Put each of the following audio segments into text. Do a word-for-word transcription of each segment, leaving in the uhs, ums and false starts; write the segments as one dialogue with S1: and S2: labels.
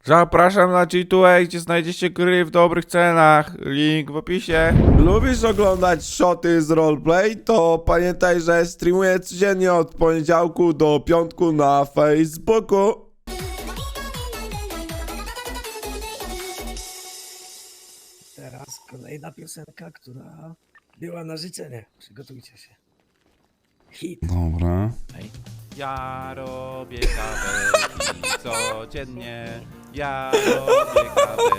S1: Zapraszam na G dwa A, gdzie znajdziecie gry w dobrych cenach. Link w opisie.
S2: Lubisz oglądać shoty z roleplay? To pamiętaj, że streamuję codziennie od poniedziałku do piątku na Facebooku.
S3: Teraz kolejna piosenka, która była na życzenie. Przygotujcie się. Hit.
S2: Dobra.
S1: Ja robię kawę codziennie. Ja robię kawę.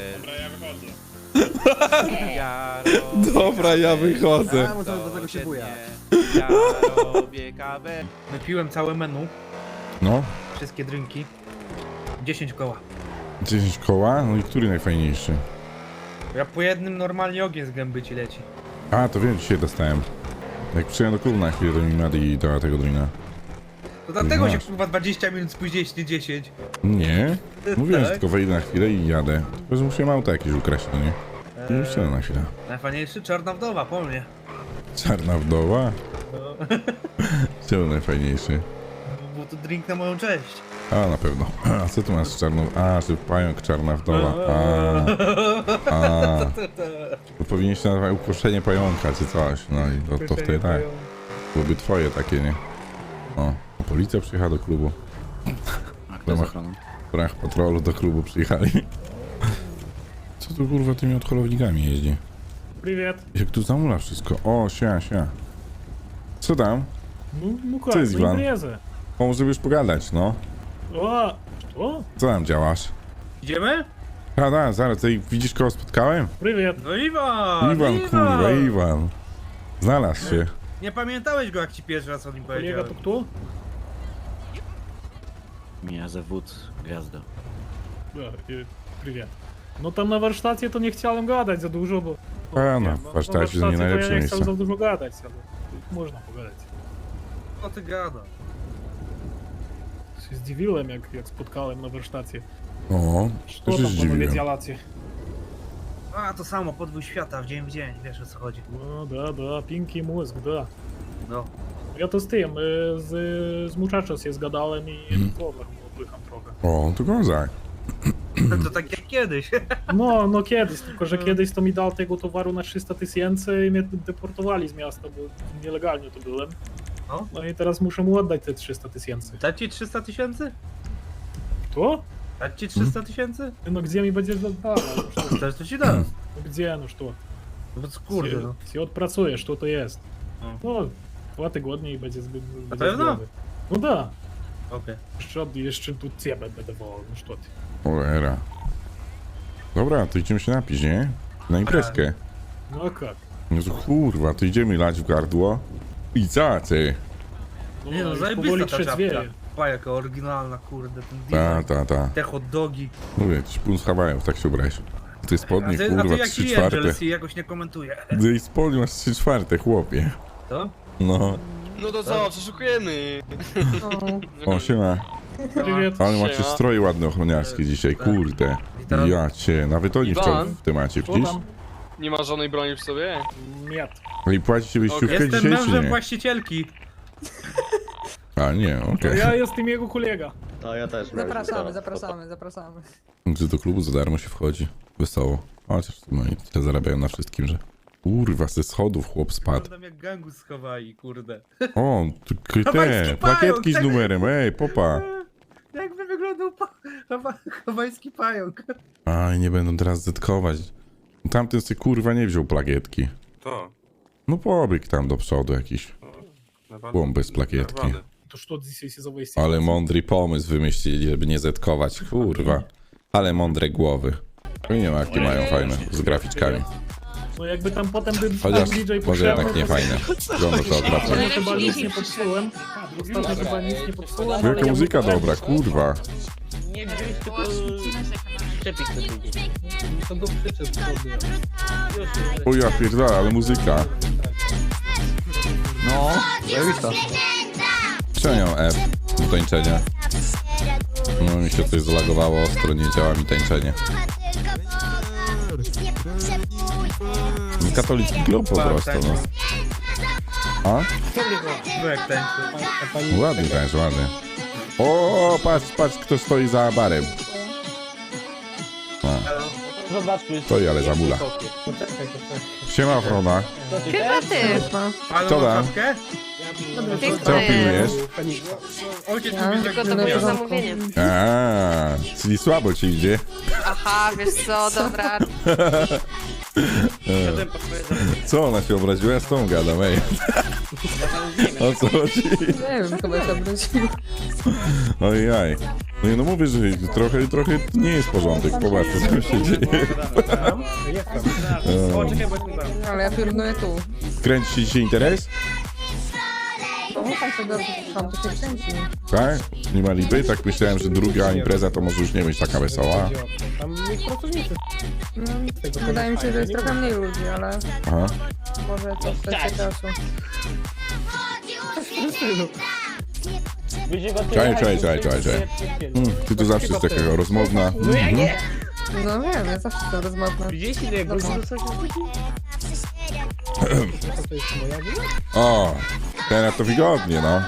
S1: Ja robię
S2: Dobra, ja wychodzę.
S3: A, może do tego się buja.
S1: Ja robię kawę.
S4: Wypiłem całe menu,
S2: No,
S4: wszystkie drinki. dziesięć koła.
S2: dziesięć koła? No i który najfajniejszy?
S4: Ja po jednym normalnie ogień z gęby ci leci.
S2: A, to wiem, dzisiaj dostałem. Jak przyjdę do klubu na chwilę, to mi Mady i dała tego drina.
S4: To dlatego się
S2: Masz.
S4: kurwa dwadzieścia minut spóźniliście, dziesięć.
S2: Nie? Mówiłem, że
S4: Tak?
S2: tylko wejdę na chwilę i jadę. Tylko, że musiałem auto jakieś ukraść, no nie? I już siedzę na chwilę.
S4: Najfajniejszy czarna wdowa, po mnie.
S2: Czarna wdowa? Czemu najfajniejszy?
S4: Był to drink na moją cześć.
S2: A, na pewno. A co tu masz z czarną... A, że pająk czarna wdowa. A, a. To powinieneś się nazywać uproszczenie pająka, czy coś. No i to, to wtedy tak. Byłoby twoje takie, nie? O, policja przyjechała do klubu. W ramach, w ramach patrolu do klubu przyjechali. Co tu kurwa tymi odholownikami jeździ?
S5: Привет.
S2: Jak tu zamula wszystko. O, sia, sia. Co tam?
S5: Ну, ну как,
S2: Co jest,
S5: ну
S2: Iwan?
S5: импреза.
S2: O, może już pogadać, no.
S5: О, что?
S2: Co tam działasz?
S4: Idziemy?
S2: A, da, zaraz, tutaj widzisz kogo spotkałem?
S5: Привет.
S4: No Iwan!
S2: Iwan, kurwa, Iwan. Znalazł się.
S4: Nie pamiętałeś go, jak ci pierwszy raz o nim
S5: Коллега,
S4: powiedziałem.
S5: то кто?
S6: Меня зовут Гвязда.
S5: Да, э, привет. No tam na warsztacie to nie chciałem gadać za dużo, bo...
S2: A, no,
S5: no,
S2: w warsztacie to nie
S5: to
S2: najlepsze
S5: ja nie
S2: miejsce.
S5: chciał za dużo gadać, ale można pogadać.
S4: Co ty gada?
S5: Się zdziwiłem, jak, jak spotkałem na warsztacie.
S2: O,
S5: Co
S2: też się
S5: tam panowie
S2: zdziwiłem.
S5: działacie?
S4: A, to samo, podwój świata, w dzień w dzień, wiesz o co chodzi.
S5: No, да, да, пинки mózg, да.
S4: No.
S5: Ja to z tym, y, z, z muchachos się zgadałem i
S2: Mhm.
S5: powiem, odpycham trochę.
S2: O, to kozak.
S4: To tak jak kiedyś.
S5: No, no kiedyś, tylko że
S4: No.
S5: kiedyś to mi dał tego towaru na trzysta tysięcy i mnie deportowali z miasta, bo nielegalnie to byłem.
S4: No.
S5: No i teraz muszę mu oddać te trzysta tysięcy.
S4: Dać ci trzysta tysięcy?
S5: To?
S4: Dać ci trzysta tysięcy?
S5: No gdzie mi będziesz oddawał? No, что?
S4: Też to ci dam.
S5: No gdzie, no что?
S4: No bo kurde no.
S5: Się odpracujesz, to to jest.
S4: No.
S5: No, dwa tygodnie i będzie zbyt...
S4: Na pewno?
S5: No da.
S4: Okej.
S5: Jeszcze, od- jeszcze tu ciebie będę wołał, no что ty.
S2: Cholera. Dobra, to idziemy się napić, nie? Na imprezkę.
S5: No a jak?
S2: No to kurwa, to idziemy lać w gardło. I co ty?
S5: No,
S4: Nie no,
S5: już
S4: zajebista
S5: powoli
S4: ta czapka.
S5: trzeźwieje.
S4: Pa, jaka oryginalna, kurde, ten
S2: Ta,
S4: design.
S2: ta, ta.
S4: Te hot dogi.
S2: Mówię, ci pun z Hawajów, tak się ubrałeś. Ty
S4: A
S2: spodnie,
S4: ty, a ty
S2: kurwa,
S4: jak
S2: trzy czwarte.
S4: Angels i jakoś nie komentuje.
S2: Ty spodnie masz trzy czwarte, chłopie.
S4: To?
S2: No.
S7: No to co, przeszukujemy.
S2: O, siema.
S5: Привет.
S2: Ale macie
S7: Siema.
S2: stroje ładne ochroniarskie dzisiaj, kurde.
S4: Witam.
S2: Ja cię, nawet oni w, to,
S7: Iwan?
S2: w temacie,
S5: Co
S2: widzisz?
S5: tam?
S7: Nie ma żadnej broni przy sobie?
S5: Нет.
S2: No i płacicie wyjściówkę
S4: Jestem
S2: dzisiaj, czy
S4: mężem
S2: nie?
S4: właścicielki.
S2: A, nie,
S5: To
S2: okej.
S5: ja jestem jego kolega.
S8: Zapraszamy, zapraszamy, zapraszamy.
S2: Czy do klubu za darmo się wchodzi? Wesoło. Chociaż no i tyle zarabiają na wszystkim, że... Kurwa, ze schodów chłop spadł.
S4: Wyglądam jak gangu schowali, kurde.
S2: O, tu k-
S4: Hawajski
S2: te,
S4: pająk,
S2: plakietki z
S4: tak.
S2: numerem, ej, popa.
S4: Jakby wyglądał pa... hawa- hawajski pająk.
S2: Aj, nie będą teraz zetkować. Tamten sobie kurwa nie wziął plakietki.
S9: To,
S2: No pobiegł tam do przodu jakiś.
S9: naprawdę.
S2: Chłop bez plakietki.
S5: To что здесь за выяснение?
S2: Ale mądry pomysł wymyślili, żeby nie zetkować, kurwa. Ale mądre głowy. Nie wiem jakie mają fajne, z graficzkami.
S5: No jakby tam potem by
S2: Chociaż
S5: D J
S2: może jednak nie fajne. Wygląda to okropnie.
S5: Ja chyba nic nie popsułem. Ostatnio chyba nic nie popsułem. ale
S2: Jaka
S5: ja
S2: muzyka
S5: bym-
S2: dobra, kurwa.
S6: Nie wziąć, tylko szczepić to drugie.
S5: To go przyczep sobie.
S2: O ja pierdolę, ale muzyka.
S6: No, zajebista.
S2: Przenią F do tańczenia. No mi się coś zalagowało ostro, nie działa mi tańczenie. Katolicki klub po prostu, no. A?
S4: No jak tańczy.
S2: Ładny tańcz, ładny. O, patrz, patrz kto stoi za barem. Stoi, ale zabula. Siema, ochrona.
S6: Chyba ty.
S4: Ale
S2: Co
S4: mam
S2: tam?
S4: czapkę?
S2: Co
S6: Dziękuję.
S2: pilnujesz?
S4: Ojciec
S8: Ja?
S4: mówi, że
S6: Tylko to
S8: No,
S6: było
S8: no.
S6: zamówienie.
S2: A, czyli słabo ci idzie.
S6: Aha, wiesz co, dobra.
S2: Co ona się obraziła? Z tą gadam, ej. O co chodzi?
S8: Nie wiem, chyba się obrócił.
S2: Ojej. No i no mówię, że trochę, trochę nie jest porządek. Popatrz, co tam się dzieje.
S4: O, czekaj, bo jestem tam.
S8: Ale ja pilnuję tu.
S2: Kręci się dzisiaj interes?
S8: No, tam się dobrze, tam to się kręci.
S2: Tak? Nie ma lipy? Tak myślałem, że druga impreza to może już nie być taka wesoła.
S8: No, wydaje mi się, że jest trochę mniej ludzi, ale
S2: Aha.
S8: może to w kwestii czasu.
S2: Czaj, czaj, czaj, czaj, czaj. Hmm, ty tu zawsze jest taka rozmowna. Mhm.
S8: No wiem, ja zawsze jestem rozmowna.
S2: O, teraz to wygodnie, no.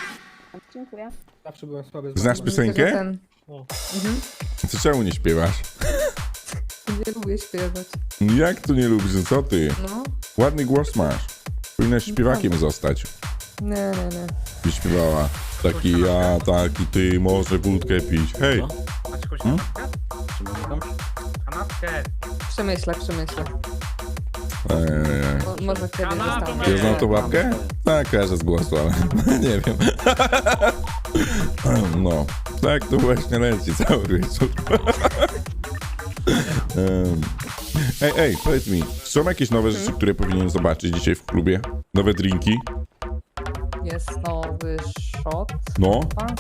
S2: Znasz piosenkę?
S8: Ten.
S2: Co czemu nie śpiewasz?
S8: Nie lubię śpiewać.
S2: Jak tu nie lubisz? Co ty?
S8: No,
S2: Ładny głos masz. Powinnaś śpiewakiem zostać.
S8: nie, nie, nie.
S2: Byś śpiewała. Taki ja, taki ty, może wódkę pić. Hej!
S4: Macie jakąś
S2: Hmm?
S4: kanapkę? Kanapkę.
S8: Przemyślę, przemyślę.
S2: Eee,
S8: Mo może kiedyś dostanę.
S2: ja znam tą babkę? Tak, kojarzę z głosu, ale nie wiem. No, tak to właśnie leci cały wieczór. Em, Ej, ej, powiedz mi, są jakieś nowe rzeczy, które powinienem zobaczyć dzisiaj w klubie? Nowe drinki?
S8: Jest nowy shot,
S2: No,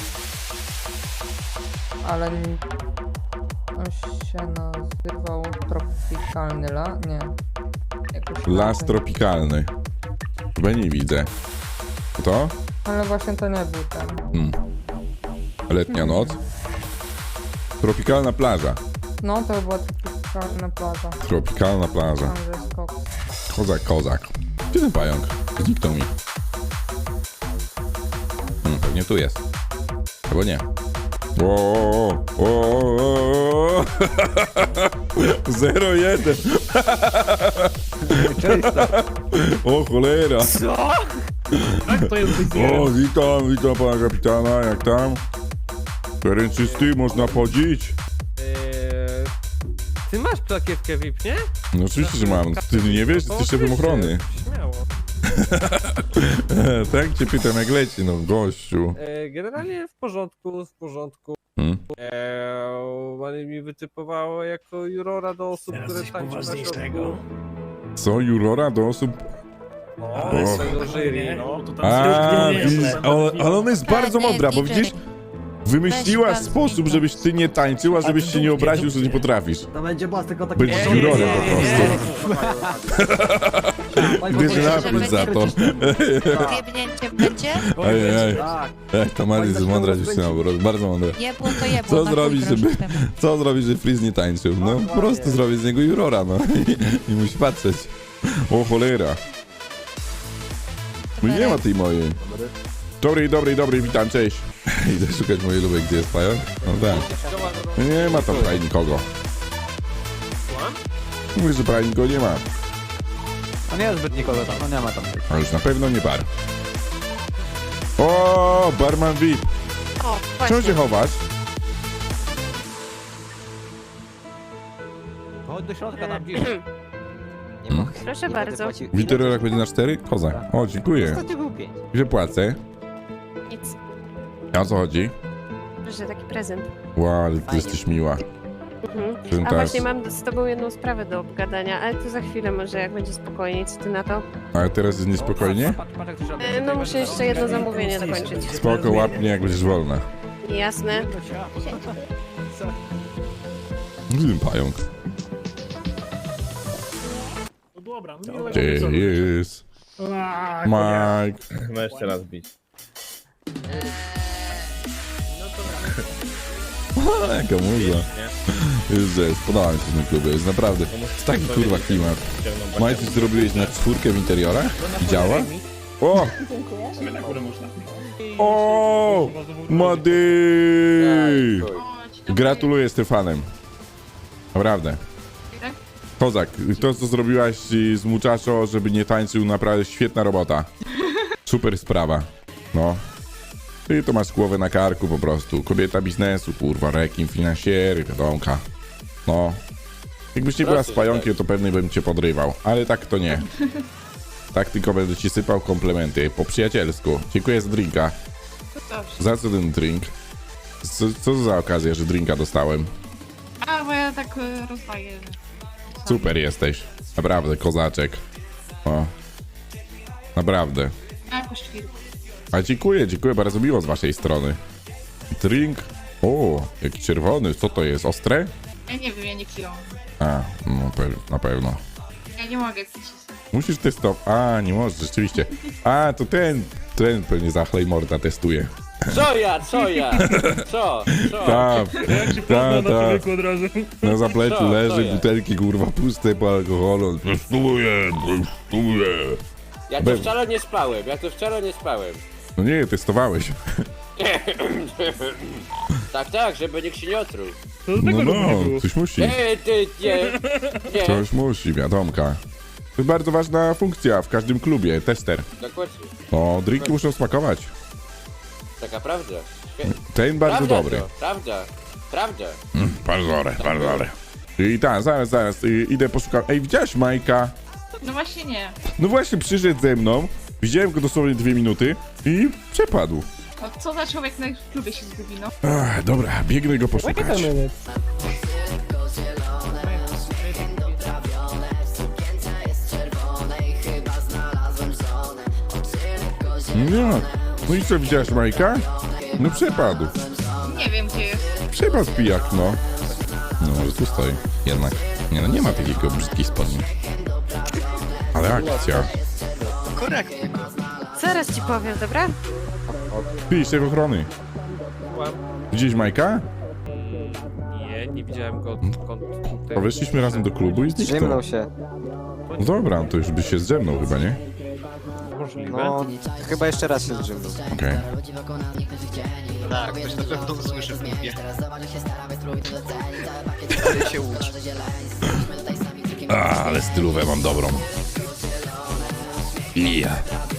S8: ale n- on się nazywał Tropikalny La? Nie. Jakoś
S2: las
S8: inaczej.
S2: tropikalny. Chyba nie widzę. To?
S8: Ale właśnie to nie był ten.
S2: Hmm. Letnia noc. Tropikalna plaża.
S8: No, to była tropikalna plaża.
S2: Tropikalna plaża.
S8: Tam, że jest koks.
S2: Kozak, kozak. Gdzie ten pająk? Zniknął mi. Hmm, pewnie tu jest. Albo nie. O, o, o, zero jeden. O cholera.
S5: Tak, to jest
S2: O, witam, witam pana kapitana, jak tam? Teren czysty, można chodzić?
S9: Eee, ty masz plakietkę V I P, nie?
S2: No oczywiście, że mam. Ty nie wiesz, jesteś szefem ochrony.
S9: Śmiało.
S2: Tak cię pytam, jak leci, no gościu.
S9: Eee, generalnie w porządku, w porządku.
S2: Hmm?
S9: Eee, ale mi wytypowało jako jurora do osób,
S3: Teraz
S9: które
S3: coś
S9: tańczą na
S3: poważniejszego.
S9: środku.
S2: Co, jurora do osób...
S9: O,
S2: O.
S9: swojego jury, no.
S5: to tam
S2: A,
S5: nie jest,
S2: widzisz,
S5: to
S2: ale,
S5: nawet
S2: ale ona jest bardzo mądra, bo widzisz, wymyśliłaś sposób, żebyś ty nie tańczył, a żebyś się nie obraził, że nie potrafisz.
S3: To będzie boss, tylko taki...
S2: Będziesz
S3: Nie, nie,
S2: jurorem
S3: nie,
S2: po
S3: nie, nie,
S2: prostu.
S3: nie.
S2: Bierze napis za to.
S6: Jebnięcie będzie?
S2: Ej, ej,
S3: Tak.
S2: ej, to Maris jest mądra dziewczyna, po prostu, bardzo mądra.
S6: Jebło to jebło.
S2: Co
S6: na
S2: zrobić,
S6: chuj
S2: żeby,
S6: groszy temu.
S2: co zrobić, żeby Freeze nie tańczył? No, po prostu zrobić z niego jurora, no. I, i musi patrzeć. O cholera. No i nie ma tej mojej. Dobry, dobry, dobry, witam, cześć. Idę szukać mojej lubej, gdzie jest pająk? No tak. Nie ma tam prawie nikogo. Mówię, że prawie nikogo nie ma.
S3: No nie jest zbyt nikogo tam, no nie ma tam.
S2: A już na pewno nie bar. O, barman V I P.
S6: O,
S2: Czemu
S6: właśnie.
S2: się chowasz?
S3: Chodź do środka tam gdzieś.
S2: Hmm?
S6: Proszę bardzo.
S2: Witerolak będzie na cztery? Kozak. O, dziękuję.
S3: Ostatnio był pięć.
S2: Ile płacę?
S6: Nic.
S2: A o co chodzi?
S6: Proszę, taki prezent.
S2: Wow, ale ty jesteś miła.
S6: Mhm.
S2: Czym
S6: A
S2: tak?
S6: właśnie mam z tobą jedną sprawę do obgadania, ale to za chwilę może, jak będzie spokojniej. Co ty na to?
S2: Ale teraz jest niespokojnie?
S6: E, No muszę jeszcze jedno zamówienie dokończyć.
S2: Spoko, łapnie, jak będziesz wolna.
S6: Jasne.
S2: Gdzie pająk?
S5: No dobra, no miłego
S2: Gdzie
S5: wieczoru.
S2: jest
S5: A,
S2: Mike?
S7: No jeszcze raz bić.
S2: A, jaka muza. Już jest, podoba mi się w tym klubie, jest naprawdę, jest taki kurwa klimat. Mike, coś zrobiłeś na czwórkę w interiorach? I działa? O!
S5: Na górę można.
S2: O! Mady! Gratuluję Stefanem. Naprawdę. Kozak, to co zrobiłaś z Muchacho, żeby nie tańczył, naprawdę świetna robota. Super sprawa. No. Ty to masz głowę na karku po prostu. Kobieta biznesu, kurwa, rekin, finansjery, wiadomka. No. Jakbyś nie była z pająkiem, to pewnie bym cię podrywał. Ale tak to nie. Tak tylko będę ci sypał komplementy. Po przyjacielsku. Dziękuję za drinka. Za co ten drink? Co, co to za okazja, że drinka dostałem?
S8: A, bo ja tak y, rozdaję.
S2: Super jesteś. Naprawdę, kozaczek. O. Naprawdę.
S8: Jakoś chwilę.
S2: A dziękuję, dziękuję, bardzo miło z waszej strony. Drink. O, jaki czerwony. Co to jest? Ostre?
S8: Ja nie wiem, ja nie piłam.
S2: A, no pe- na pewno.
S8: Ja nie mogę pić.
S2: Musisz testować. A, nie możesz, rzeczywiście. A, to ten, ten pewnie Zachlej Morda testuje.
S9: Co ja, co ja? Co? Co?
S2: Tak,
S5: Jak się pozna
S2: tak,
S5: na
S2: tak.
S5: człowieku od razu.
S2: Na zapleczu
S9: Co,
S2: leży
S9: co jest?
S2: butelki, kurwa, puste po alkoholu. Testuję, testuję.
S9: Ja to
S2: Pewnie.
S9: wczoraj nie spałem, ja to wczoraj nie spałem.
S2: No nie, testowałeś.
S9: Tak, tak, żeby nikt się nie otruł.
S5: To
S2: No,
S5: tego
S2: no,
S5: nie było.
S2: coś musi.
S9: Nie, ty, nie, nie.
S2: Coś musi, wiadomka. To jest bardzo ważna funkcja w każdym klubie, tester.
S9: Dokładnie.
S2: No, drinki muszą smakować.
S9: Taka prawda. Świe-
S2: Ten bardzo
S9: prawda
S2: dobry.
S9: To, prawda, prawda.
S2: Bardzo dobry, bardzo dobry. I tak, zaraz, zaraz, y, idę poszukać. Ej, widziałaś Majka?
S8: No właśnie nie.
S2: No właśnie, przyszedł ze mną, widziałem go dosłownie dwie minuty i przepadł.
S8: No co za człowiek na klubie się zgubi, no.
S2: Ach, dobra, biegnę go poszukać. No, no i co, widziałaś Majka? No przepadł.
S8: Nie wiem gdzie jest.
S2: Przepadł pijak, no. No może tu stoi, jednak. Nie no, nie ma takiego brzydkich spodni. Ale akcja.
S6: Zaraz ci powiem, dobra?
S2: Ty, szef ochrony. Widziałeś Majka?
S10: Nie, nie widziałem go odkąd...
S2: A weszliśmy razem do klubu i zniknął.
S3: się.
S2: No dobra, to już byś się zdrzemnął chyba, nie?
S10: Możliwe.
S3: No, chyba jeszcze raz się zdrzemnął.
S2: Okej.
S4: Tak, ktoś na pewno usłyszy w klubie. się łudź.
S2: A, ale stylówę mam dobrą. Ja.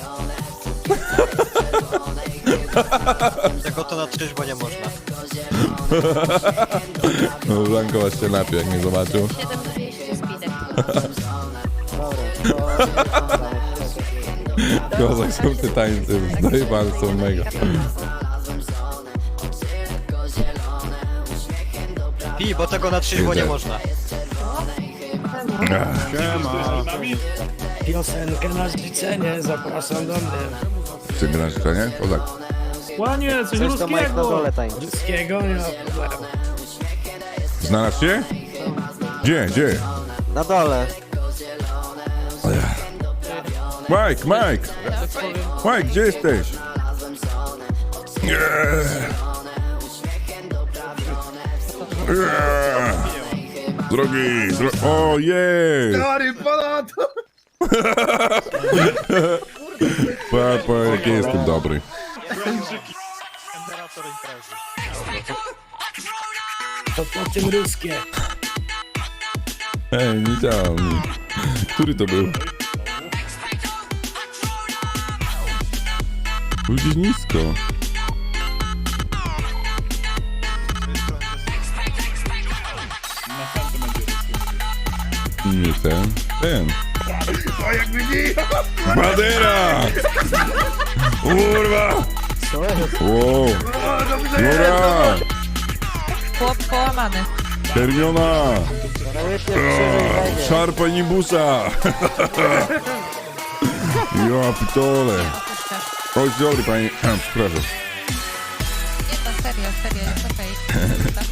S4: Tego to na trzeźwo nie można.
S2: No, Blanko aż się napił, jak mnie zobaczył.
S6: siedem dwieście speedek.
S2: Kozak są te tańce, dojebane są mega.
S4: Pi, bo tego na trzeźwo nie
S2: Idę.
S4: można.
S11: Piosenkę na życzenie, zapraszam do mnie.
S2: Czy grasz nie? Kozak.
S5: Łanie, coś
S3: Coś to Mike na
S5: ruskiego!
S3: dole tańczy.
S11: Wszystkiego nie ma problemu.
S2: Znalazł się? Gdzie, gdzie?
S3: Na dole.
S2: Mike, Mike! Mike, gdzie jesteś? Nie. Nie. Drogi, dro... O, jest!
S4: Stary, ponadto!
S2: Papa, jak jestem dobry.
S11: To po tym ruskie.
S2: Ej, nie działa mi. Który to był? Był gdzieś nisko. Nie ten, ten. Badera! Kurwa! Wow! Dobra!
S8: Chłop połamany.
S2: Hermiona! Szarpa nibusa! Ja pitole! Oj, dobry panie. Przepraszam.
S8: Nie, to serio, serio, jest okej.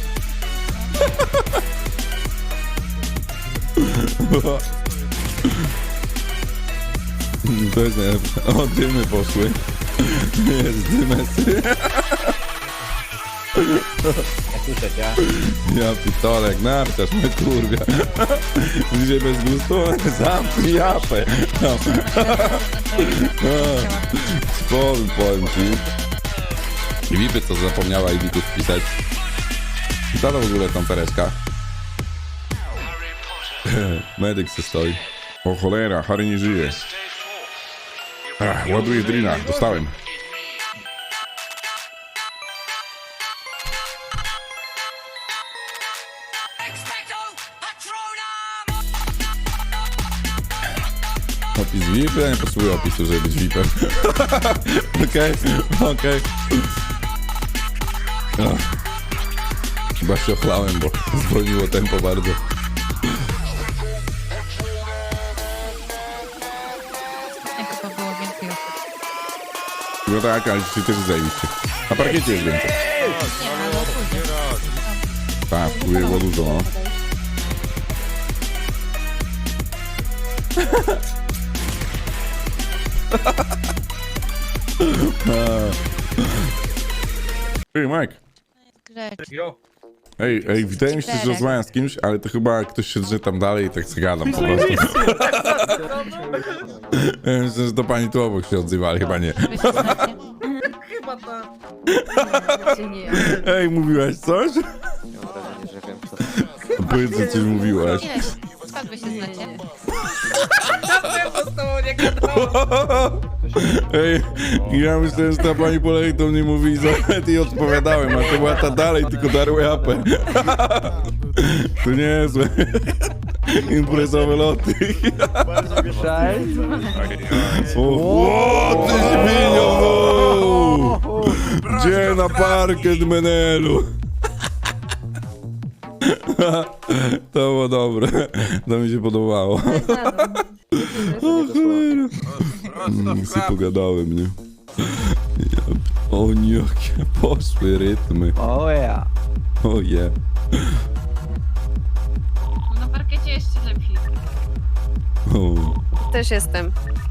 S2: To jest najlepsze. O, dymy poszły. Jest dymesy. Ja pitolek, narciarz mnie kurwia. Dzisiaj bez gustu? Zamknij japę. No. Spowiem, powiem ci. I Wipy co zapomniała i Wików wpisać. Co to w ogóle tam Tereska? Medyk se stoi. O cholera, Harry nie żyje. Ach, ładuję w drinach, dostałem. Opis V I P? Ja nie potrzebuję opisu, żeby być V I P-em. Okej, okej. Ach. Chyba się ochlałem, bo zwolniło tempo bardzo.
S8: Jak to było więcej osób?
S2: No tak, ale dzisiaj też zajebiście. Na parkiecie jest więcej.
S8: Nie, ale później.
S2: Tak, wpływie było dużo, no. Ej, Mike.
S8: Grzecz.
S4: Jo.
S2: Ej, ej, wydaje mi się, że rozmawiam z kimś, ale to chyba ktoś się drze tam dalej i tak zagadam po prostu. Ja myślę, że to pani tu obok się odzywa, ale chyba nie.
S8: Wy się znacie?
S4: Chyba ta.
S8: Nie.
S2: Ej, mówiłaś coś?
S3: Mam wrażenie, że wiem co.
S2: Powiedz, że coś mówiłaś.
S8: Ileś? Skąd wy się znacie?
S4: To z tobą nie gadałam.
S2: Ej, ja myślałem, że ta pani po lewej do mnie mówi i nawet jej odpowiadałem, a to była ta dalej, tylko darła japę. To niezłe. Imprezowe loty. O, o, ty świnio! Gdzie na parkiet, Menelu? To było dobre. To mi się podobało. O cholera. Mm, sobie pogadałem, nie? Ja, o nie, jakie poszły rytmy.
S3: O ja.
S2: O je.
S8: Na parkiecie jeszcze lepiej.
S2: O.
S6: Też jestem.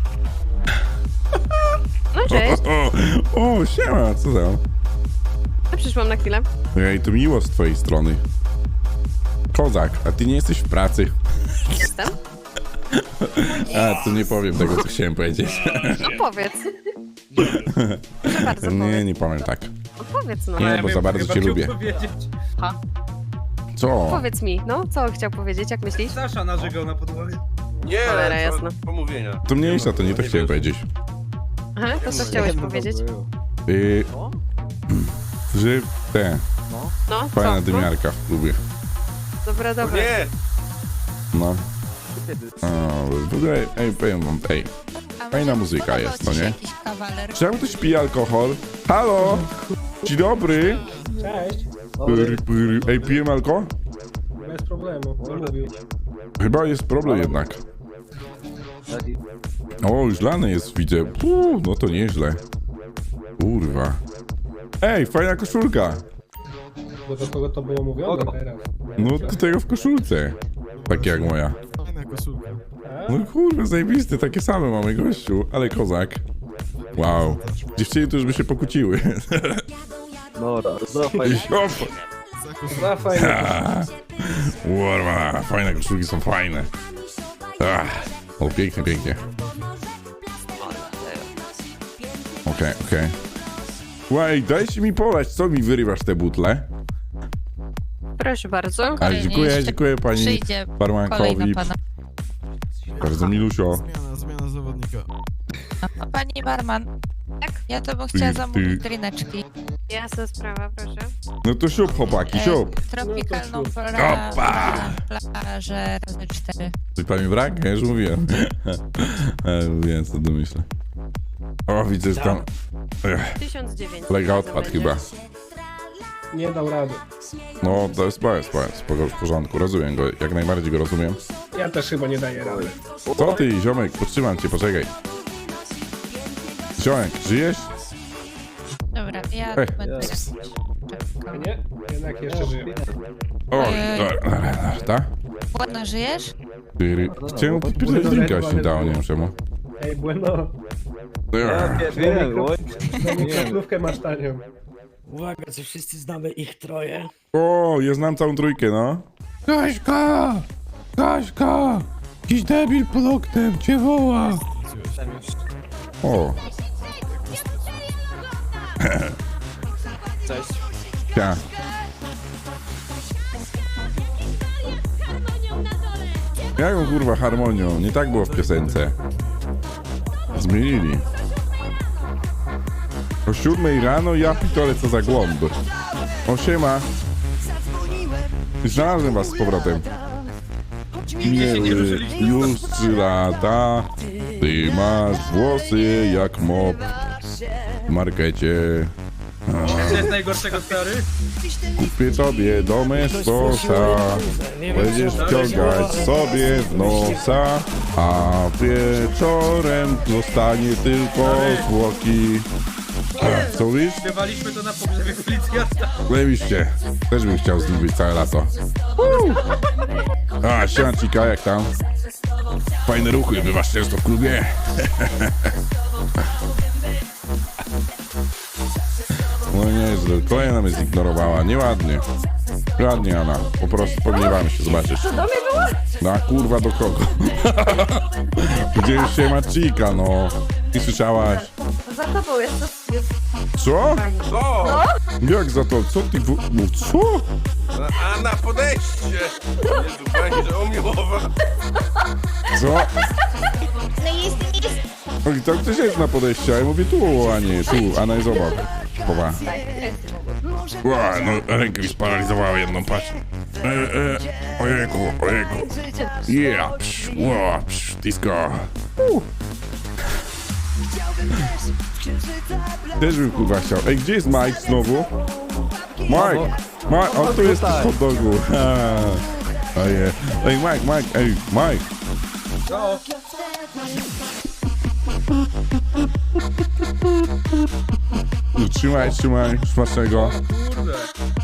S6: No cześć.
S2: O, o, siema, co tam?
S6: Ja przyszłam na chwilę.
S2: Ej, to miło z twojej strony. Kozak, a ty nie jesteś w pracy.
S6: Jestem.
S2: A, to nie powiem tego, co chciałem powiedzieć.
S6: No powiedz. Proszę bardzo,
S2: Nie,
S6: powiedz.
S2: nie powiem tak.
S6: No powiedz no.
S2: Nie, bo za bardzo
S4: Chyba
S2: cię
S4: chciał
S2: lubię.
S4: powiedzieć.
S2: Co?
S6: Powiedz mi, no co chciał powiedzieć, jak myślisz?
S4: Sasza narzegał na podłogę.
S9: Nie,
S6: Cholera, jasno.
S9: pomówienia.
S2: To mniejsza, to nie to chciałem powiedzieć.
S6: Aha, to co chciałeś powiedzieć?
S2: Yy, że te,
S6: No,
S2: fajna
S6: co? No,
S2: dymiarka w klubie.
S6: dobra, dobra.
S9: Nie!
S2: No. O, w ogóle, ej, powiem wam, ej, fajna muzyka jest, no nie?
S8: Jakiś kawaler.
S2: Czemu ktoś pije alkohol? Halo? Dzień dobry.
S5: Cześć.
S2: Pyr, pyr. Ej, pijemy alkohol?
S5: Bez problemu. Co mówił?
S2: Chyba jest problem jednak. O, już lany jest, widzę. Puu, no to nieźle. Kurwa. Ej, fajna koszulka.
S5: Bo do kogo to było mówione teraz?
S2: No, do tego w koszulce. Takie jak moja. No kurwa, zajebiste, takie same mamy, gościu. Ale kozak. Wow. Dziewczyny to już by się pokłóciły.
S3: Dobra, zofaj.
S5: Za fajnie.
S2: Kurwa, fajne koszulki są fajne. Ach, o, pięknie, pięknie. Okej, okej. Łaj, dajcie mi polać, co mi wyrywasz te butle?
S6: Proszę bardzo.
S2: Ale dziękuję, dziękuję pani
S8: Przyjdzie
S2: barmankowi.
S8: kolejna pana.
S2: Bardzo milusio.
S8: A pani barman,
S6: Tak?
S8: ja to bym chciała
S2: Ty-
S8: zamówić
S2: ty-
S8: drineczki.
S6: Jasna sprawa, proszę.
S2: No to siup, chłopaki, siup.
S8: Tropikalną
S2: Opa!
S8: pla- plażę razy cztery.
S2: Coś pani brak? Ja już mówiłem. E, Mówiłem, co domyślę. O, widzę, że tam... Ech,
S6: tysiąc dziewięćset.
S2: kolega
S6: razem
S2: odpadł
S6: będzie.
S2: chyba.
S5: Nie dał rady.
S2: No, to jest spoko, spoko, spoko, w porządku, rozumiem go, jak najbardziej go rozumiem.
S5: Ja też chyba nie daję rady.
S2: Co ty, ziomek, podtrzymam cię, poczekaj. Ziomek, żyjesz?
S8: Dobra, ja
S2: Ej.
S8: będę
S5: A nie? Jednak jeszcze żyję.
S2: O,
S8: Ojej.
S2: dobra, dobra, dobra, tak?
S8: Ładno żyjesz?
S2: Ty- Chciałem pierdolić drinka, się nie dało, nie wiem czemu.
S5: Ej, bueno.
S2: Ech,
S3: Wiem, oj.
S5: Na mikroflówkę masz tanią.
S11: Uwaga, czy wszyscy znamy ich troje?
S2: O, ja znam całą trójkę, no. Kaśka! Kaśka! Jakiś debil pod oknem cię woła! O.
S10: Cześć.
S2: Ja. Jaką kurwa harmonią? Nie tak było w piosence. Zmienili. O siódmej rano ja pitole co za głąb. O siema. Znalazłem was z powrotem. Minęły już trzy lata. Ty masz włosy jak mop w markecie.
S4: Co jest najgorszego stary?
S2: Kupię tobie domestosa. Będziesz wciągać sobie w nosa, a wieczorem zostanie tylko zwłoki. A, co mówisz?
S4: Śpiewaliśmy to na pogrzebie policjanta.
S2: Zajebiście. Też bym chciał z nim być całe lato. Uuu. A, siemancika, jak tam? Fajne ruchy, bywasz często w klubie? No nieźle, kolejna mnie zignorowała, nieładnie. Ładnie, Anna, po prostu pogniewamy się, zobaczysz.
S8: To do mnie było?
S2: No kurwa, do kogo? Gdzie już się ma Chica, no. I słyszałaś?
S8: Za tobą jest to... Jest...
S2: Co?
S9: Co?
S2: Jak za to? Co ty w... No co?
S9: A na podejście! Jezu, będzie o mnie mowa.
S2: Co?
S8: No jest, jest...
S2: Oj, tam ktoś jest na podejściu, a ja mówię tu, a nie tu, Anna jest obok. Chowa. Ła, no rękę mi sparaliżowała jedną, patrz. E, e, ojejku, ojejku. Yeah, psz, ła, psz, disco. Uh. Też bym kurwa chciał. Ej, gdzie jest Mike znowu? Mike! Mike, o tu jest hot dogu. Ojej. Ej, Mike, Mike, ej, Mike.
S4: Co?
S2: Trzymaj, trzymaj, smacznego.
S4: Kurde.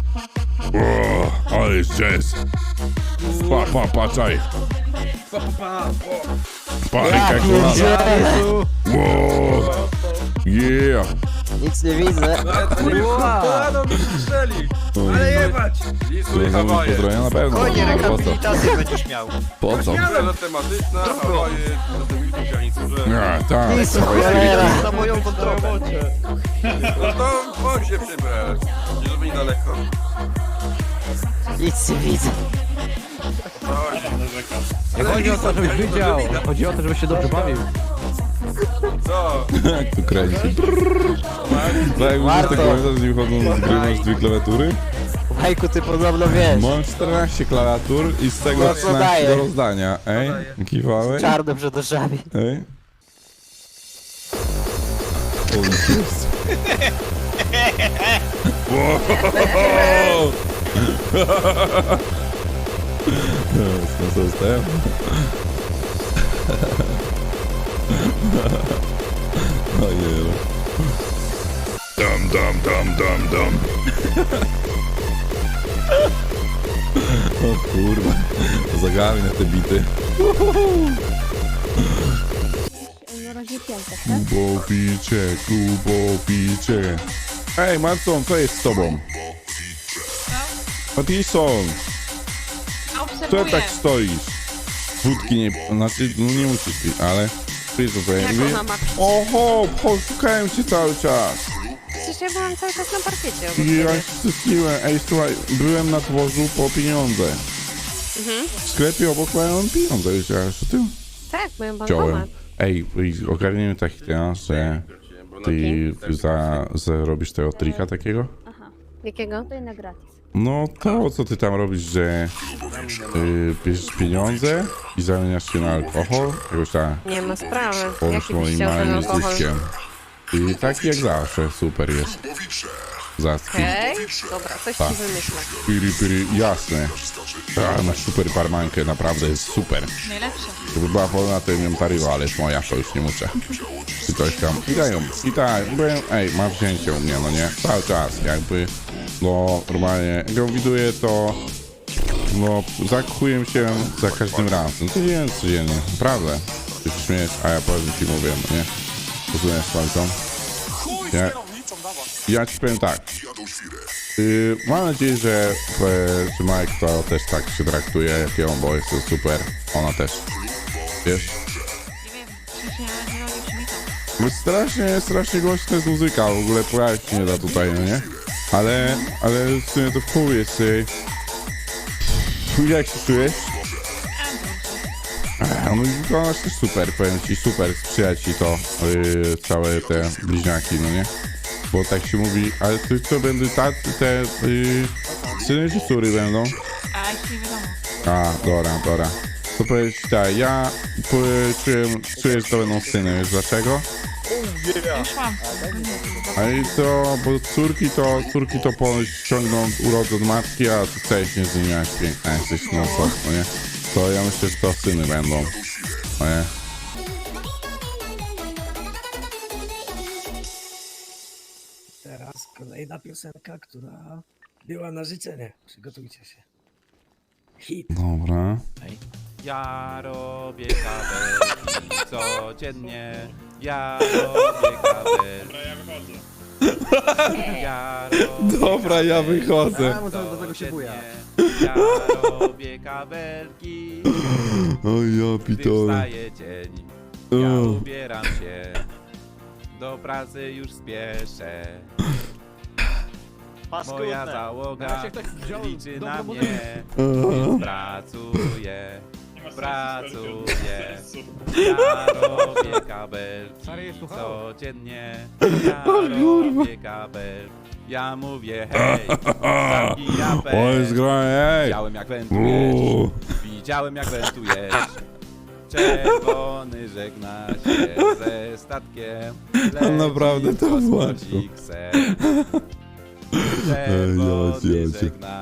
S2: O, ale jest jazz. Pa, pa, patrzaj.
S4: Pa, pa, pa.
S2: Pa, ręka kolana. Wow. Yeah.
S3: Nic nie widzę.
S4: Kolaną mi strzeli. Ale jebać.
S9: Lisuj Hawaje.
S2: Pozdrowienia na pewno. Po co?
S10: będziesz miał.
S2: Po co?
S9: Scena tematyczna, Hawaje, zatem już garniturze.
S2: A, tak.
S10: Na moją kontrolę.
S9: No to chodź się przybrać. Nie żeby niedaleko.
S3: Nic nie widzę.
S9: Chodź.
S3: Nie chodzi o to, żebyś widział. Chodzi o to, żebyś się dobrze bawił.
S9: Co?
S2: Jak tu kręci. Tak, jak mówisz, tak pamiętasz, że nie wchodzą z gry, masz dwie klawiatury?
S3: Majku, ty podobno wiesz.
S2: Mam czternaście klawiatur i z tego
S3: No co
S2: trzynaście
S3: daje?
S2: do rozdania. Ej, kiwałeś?
S3: Czarno przed oczami.
S2: Ej. O, jest. Wow. Co zostałem? Ojej. Dam, dam, dam, dam, dam. O kurwa. Zagami na te bity.
S8: No razie piątek, tak?
S2: Kubowicie, kubowicie. Ej, Matson, co jest z tobą? Matison, co tak stoisz? Wódki nie... Znaczy, no nie musisz pić, ale... Wiesz co
S6: Jak
S2: powiem?
S6: ona ma...
S2: Oho, chodź, szukałem cię cały czas.
S6: Przecież ja byłam cały czas na parkiecie. obok
S2: I ja
S6: ciebie.
S2: się stęskniłem. Ej, słuchaj, byłem na dworzu po pieniądze.
S6: Mhm.
S2: W sklepie obok mają pieniądze, wiedziałeś o tym?
S6: Tak, moją
S2: Chciałem.
S6: bankomat.
S2: Ej, ogarniemy taki temat, że ty za, zarobisz tego trika takiego?
S6: Jakiego?
S8: To i na gratis.
S2: No to, co ty tam robisz, że yy, bierzesz pieniądze i zamieniasz się na alkohol, jakoś tak,
S6: Nie ma sprawy.
S2: połącz
S6: Jaki byś
S2: moim
S6: chciał ten
S2: małym
S6: alkohol?
S2: zyskiem. I tak jak zawsze, super jest. Zacki.
S6: Okej, dobra, coś
S2: Tak.
S6: ci wymyślę.
S2: Piri, piri, jasne. A, masz super barmankę, naprawdę jest super.
S6: Najlepsze.
S2: Gdyby była wolna, to bym ją taryła, ale jest moja, to już nie muszę. I coś tam. I dają. I tak, byłem, ej, mam wzięcie u mnie, no nie? Cały czas, jakby, no, normalnie, jak ją widuję, to, no, zakuję się za każdym razem. Codziennie, codziennie, naprawdę. Ty się śmiejesz, a ja powiem ci mówię, no nie? Rozumiesz, palcą? Ja, ja ci powiem tak. Yy, mam nadzieję, że, e, że Mike to też tak się traktuje jak ją, bo jest to super. Ona też. Wiesz? No strasznie, strasznie głośna jest muzyka, w ogóle pojawić się nie da tutaj, no nie? Ale, ale w sumie to w chuj jest. Yy, jak się czujesz? No i wyglądasz też super, powiem ci, super sprzyja ci to, yy, całe te bliźniaki, no nie? Bo tak się mówi, ale to co będą ta, te yy, syny czy córy będą?
S8: A, jeszcze nie wiadomo.
S2: A, dobra, dobra. To powiedzieć tak, ja po, czuję, czuję, że to będą syny, wiesz dlaczego?
S8: Już mam.
S2: A i to, bo córki to, córki to ponoć ciągną urodzę od matki, a ty chcesz nie z nimi jak piękna jesteś, no co, no nie? To ja myślę, że to syny będą, no nie?
S11: Teraz kolejna piosenka, która była na życzenie. Przygotujcie się. Hit.
S2: Dobra.
S1: Ja robię kabelki codziennie. Ja robię kabelki. Ja robię
S2: Dobra, ja wychodzę.
S3: A, bo to do tego się buja.
S1: Ja robię kabelki.
S2: O ja
S1: Gdy
S2: pitole.
S1: wstaje dzień, ja ubieram się. Do pracy już spieszę. Moja
S10: Paskudne.
S1: załoga
S3: Razie ktoś wziął
S1: liczy
S3: dobrą
S1: na
S3: muzykę.
S1: mnie, więc pracuję, pracuję. Ja robię kabel
S3: Stary je słuchało.
S1: codziennie. Ja robię kabel. Ja mówię hej, zamknij japę.
S2: O, jest gra, ej!
S1: Widziałem jak wentujesz,
S2: Uuu.
S1: widziałem jak wentujesz. Czerwony żegna się ze statkiem.
S2: On naprawdę to
S1: leci
S2: włączył.
S1: kosmocik se.
S2: Ej,
S1: Czerwony
S2: jocie, jocie.
S1: żegna